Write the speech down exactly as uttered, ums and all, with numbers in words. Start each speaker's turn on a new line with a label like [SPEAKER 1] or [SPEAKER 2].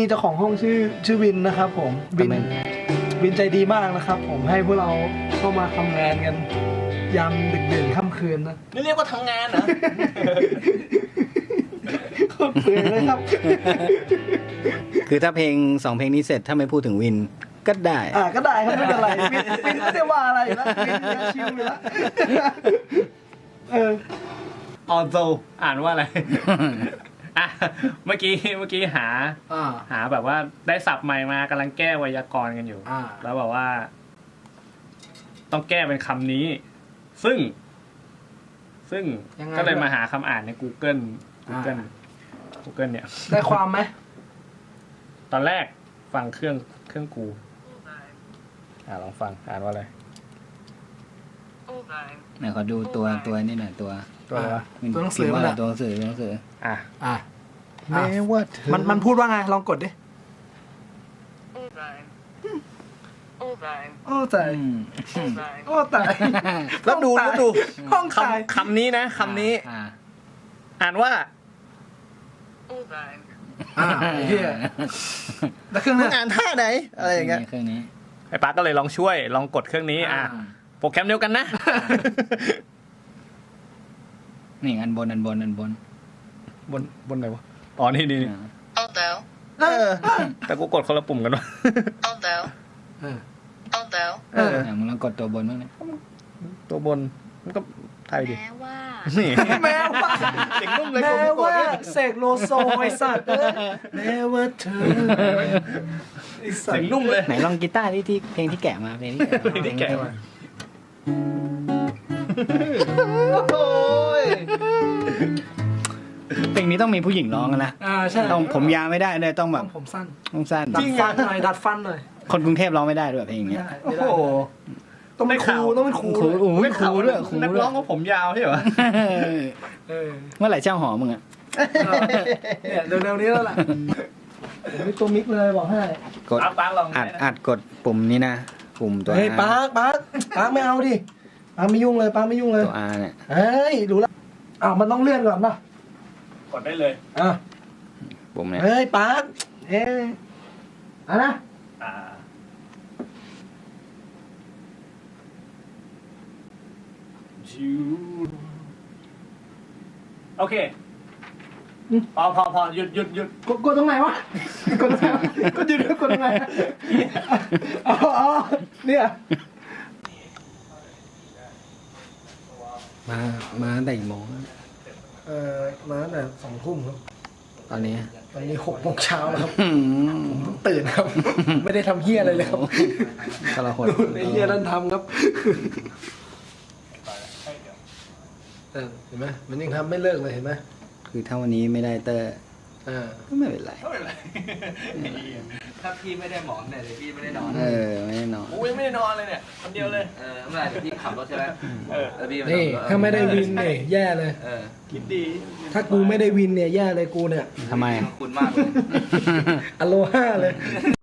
[SPEAKER 1] เจ้าของห้องชื่อชื่อวินนะครับผมวินวินใจดีมากนะครับผมให้พวกเราเข้ามาทำงานกันยามดึกดื่นค่ำคืนนะ
[SPEAKER 2] นี่เรียกว่าทำงานเหรอ
[SPEAKER 1] โคตรเปลือยเลยครับ
[SPEAKER 3] คือถ้าเพลงสองเพลงนี้เสร็จถ้าไม่พูดถึงวินก็ได้
[SPEAKER 1] อ่าก็ได้ครับไม่เป็นไรวินวินไม่ได้ว่าอะไรอยู่แล้ววินยังชิลอยู่แล้วเออ
[SPEAKER 2] although อ่านว่าอะไร อ่ะเมื่อกี้เมื่อกี้หา
[SPEAKER 1] อ่า
[SPEAKER 2] หาแบบว่าได้ศัพท์ใหม่มากำลังแก้ไวยากรณ์กันอยู่
[SPEAKER 1] อ่า
[SPEAKER 2] แล้วแบบว่า ต้องแก้เป็นคำนี้ ซึ่ง ซึ่งก็เลยมาหาคำอ่านใน Google Google Google เนี่ย
[SPEAKER 1] ได้ความไหม
[SPEAKER 2] ตอนแรกฟังเครื่องเครื่องกู อ่าลองฟังอ่านว่าอะไร
[SPEAKER 3] ไหนขอดูตัวตัวนี่หน่อยตัว
[SPEAKER 2] ตัวอะไรวะ
[SPEAKER 1] ตัวหนังสือ
[SPEAKER 3] ว่า
[SPEAKER 1] มัน
[SPEAKER 3] อะไร
[SPEAKER 1] อะ
[SPEAKER 3] ตัวหนังสือตัวหนังสือ
[SPEAKER 2] อ่ะ
[SPEAKER 1] อ่ะ
[SPEAKER 2] แม้ว่าเธอ
[SPEAKER 1] มันมันพูดว่าไงลองกดดิโอ้ตาย
[SPEAKER 3] อืม
[SPEAKER 1] โอ้ตาย
[SPEAKER 2] แล้วดูแล้วดู
[SPEAKER 1] ห้องตาย
[SPEAKER 2] คำคำนี้นะคำนี้
[SPEAKER 3] อ่า
[SPEAKER 2] อ่านว่า
[SPEAKER 1] อ่าไอ้เหี้ยแล้วเครื่อง
[SPEAKER 2] มึ
[SPEAKER 1] นั้
[SPEAKER 2] ง
[SPEAKER 1] น
[SPEAKER 2] อ่านท่าไหนอะไรอย่างเงี้ย
[SPEAKER 3] เครื่องนี้
[SPEAKER 2] ไอ้ป๊าก็เลยลองช่วยลองกดเครื่องนี้ อ่ะโปรแกรมเดียวกันนะ
[SPEAKER 3] นี่อันบนอันบนอันบน
[SPEAKER 2] บนบนไหนวะอ๋อนี่นี่นี่
[SPEAKER 3] อ่า
[SPEAKER 4] Although,
[SPEAKER 2] เออแต่กูกดคนละปุ่มกันวะ
[SPEAKER 4] although,
[SPEAKER 1] เออ
[SPEAKER 4] although,
[SPEAKER 2] เออ
[SPEAKER 3] อ่ะมึงลองกดตัวบนบ้างเลย
[SPEAKER 2] ตัวบนมันก็ไทยดิ
[SPEAKER 4] แม้ว่า
[SPEAKER 2] นี่
[SPEAKER 1] แม้ว่า
[SPEAKER 2] เสียงนุ่มเลย
[SPEAKER 1] แม้
[SPEAKER 2] กูกด
[SPEAKER 1] ว่า
[SPEAKER 2] เนี่ย
[SPEAKER 1] เสกโลโซไอสัตว์เอ้ยแม้ว่าเธอไอสัต
[SPEAKER 2] เสียง
[SPEAKER 1] ว์
[SPEAKER 2] นุ่มเลย
[SPEAKER 3] ไหนลองกีตาร์ที่ที่เพลงที่แกะมาเพลงที่แกะมา
[SPEAKER 2] เพลงที่แกะมา
[SPEAKER 1] โอ้ย
[SPEAKER 3] เพลงนี้ต้องมีผู้หญิงร้องกันนะ
[SPEAKER 1] อ่าใช่
[SPEAKER 3] ต้องผมยาวไม่ได้เลยต้องแบ
[SPEAKER 1] ต้
[SPEAKER 3] บ
[SPEAKER 1] องผมสั้น
[SPEAKER 3] ต้องสั้น
[SPEAKER 1] ดัดฟันหน่อยดัดฟันหน่อย
[SPEAKER 3] คนกรุงเทพร้องไม่ได้ด้วยเพลงเนี้ย
[SPEAKER 1] โอ้โหต้องเป็นครูต้องเป็นครู
[SPEAKER 3] ครูโอ้ยครูด้วยครู
[SPEAKER 2] นัก
[SPEAKER 3] ด้วย
[SPEAKER 2] ร้องก็ผมยาวใช่เหรอ
[SPEAKER 1] เออ
[SPEAKER 3] เมื่อไหร่เช่าหอมึงอ่ะ
[SPEAKER 1] เนี่ยเร็วๆนี้แล้วล่ะผมมีตัวมิกเลยบอกให้
[SPEAKER 3] กด
[SPEAKER 2] เอาปาร์คลอง
[SPEAKER 3] อัดอัดกดปุ่มนี้นะปุ่มตัว
[SPEAKER 1] เฮ้ย
[SPEAKER 3] R
[SPEAKER 1] ปาร์คปาร์คปาร์คไม่เอาดิปาร์คไม่ยุ่งเลยปาร์คไม่ยุ่งเลย
[SPEAKER 3] ตัว R เนี่ย
[SPEAKER 1] เฮ้ยรู้แล้วอ้าวมันต้องเลื่อนก่อนป่ะ
[SPEAKER 2] กดได้เลย
[SPEAKER 1] อ่ะ
[SPEAKER 3] ปุ่มเนี่ย
[SPEAKER 1] เฮ้ยปาร์คเอ้ยอ่ะนะ
[SPEAKER 2] อ่าจูโอเคพอพอพอหยุดหยุดหยุด
[SPEAKER 1] กดกดตรงไหนวะกดตรงไหนวะกดหยุดกดตรงไหนอ๋ออ๋อเนี่ย
[SPEAKER 3] มามาตั้งแต่กี่โมง
[SPEAKER 1] เอ่อมาตั้งแต่สองทุ่มครับ
[SPEAKER 3] ตอนนี้
[SPEAKER 1] ตอนนี้หกโมงเช้าแล้วครับ
[SPEAKER 3] อืม
[SPEAKER 1] ผมตื่นครับ ไม่ได้ทำเฮียอะไรเลยครับ
[SPEAKER 3] ทรหด
[SPEAKER 1] ไอ้เฮียนั่นทำครับเออเห็นไหมมันยังทำไม่เลิกเลยเห็นไหม
[SPEAKER 3] คือถ้าวันนี้ไม่ได้เตอร์
[SPEAKER 1] อ่า
[SPEAKER 3] ก็ไม่เป็นไร
[SPEAKER 2] ไม่เป็นไร
[SPEAKER 5] ถ้าพี่ไม่ได้หมอนเนี่ยเดี๋ยวพี่ไม่ได้นอน
[SPEAKER 3] เออไม่ได้นอน
[SPEAKER 2] กูยังไม่ได้นอนเลยเนี่ยคนเดียวเลย
[SPEAKER 5] เออเมื่อไหร่เดี๋ยวพี่ขับรถใช่ไหม
[SPEAKER 2] เออ
[SPEAKER 5] แล้วพี่
[SPEAKER 1] นี่
[SPEAKER 5] ขับรถ
[SPEAKER 1] ถ้าไม่ได้วินเนี่ยแย่เลย
[SPEAKER 5] เออ
[SPEAKER 2] คิดดี
[SPEAKER 1] ถ้ากูไม่ได้วินเนี่ยแย่เลยกูเนี่ย
[SPEAKER 3] ทำไม
[SPEAKER 5] ขอบคุณมากเลย
[SPEAKER 1] อโลห้าเลย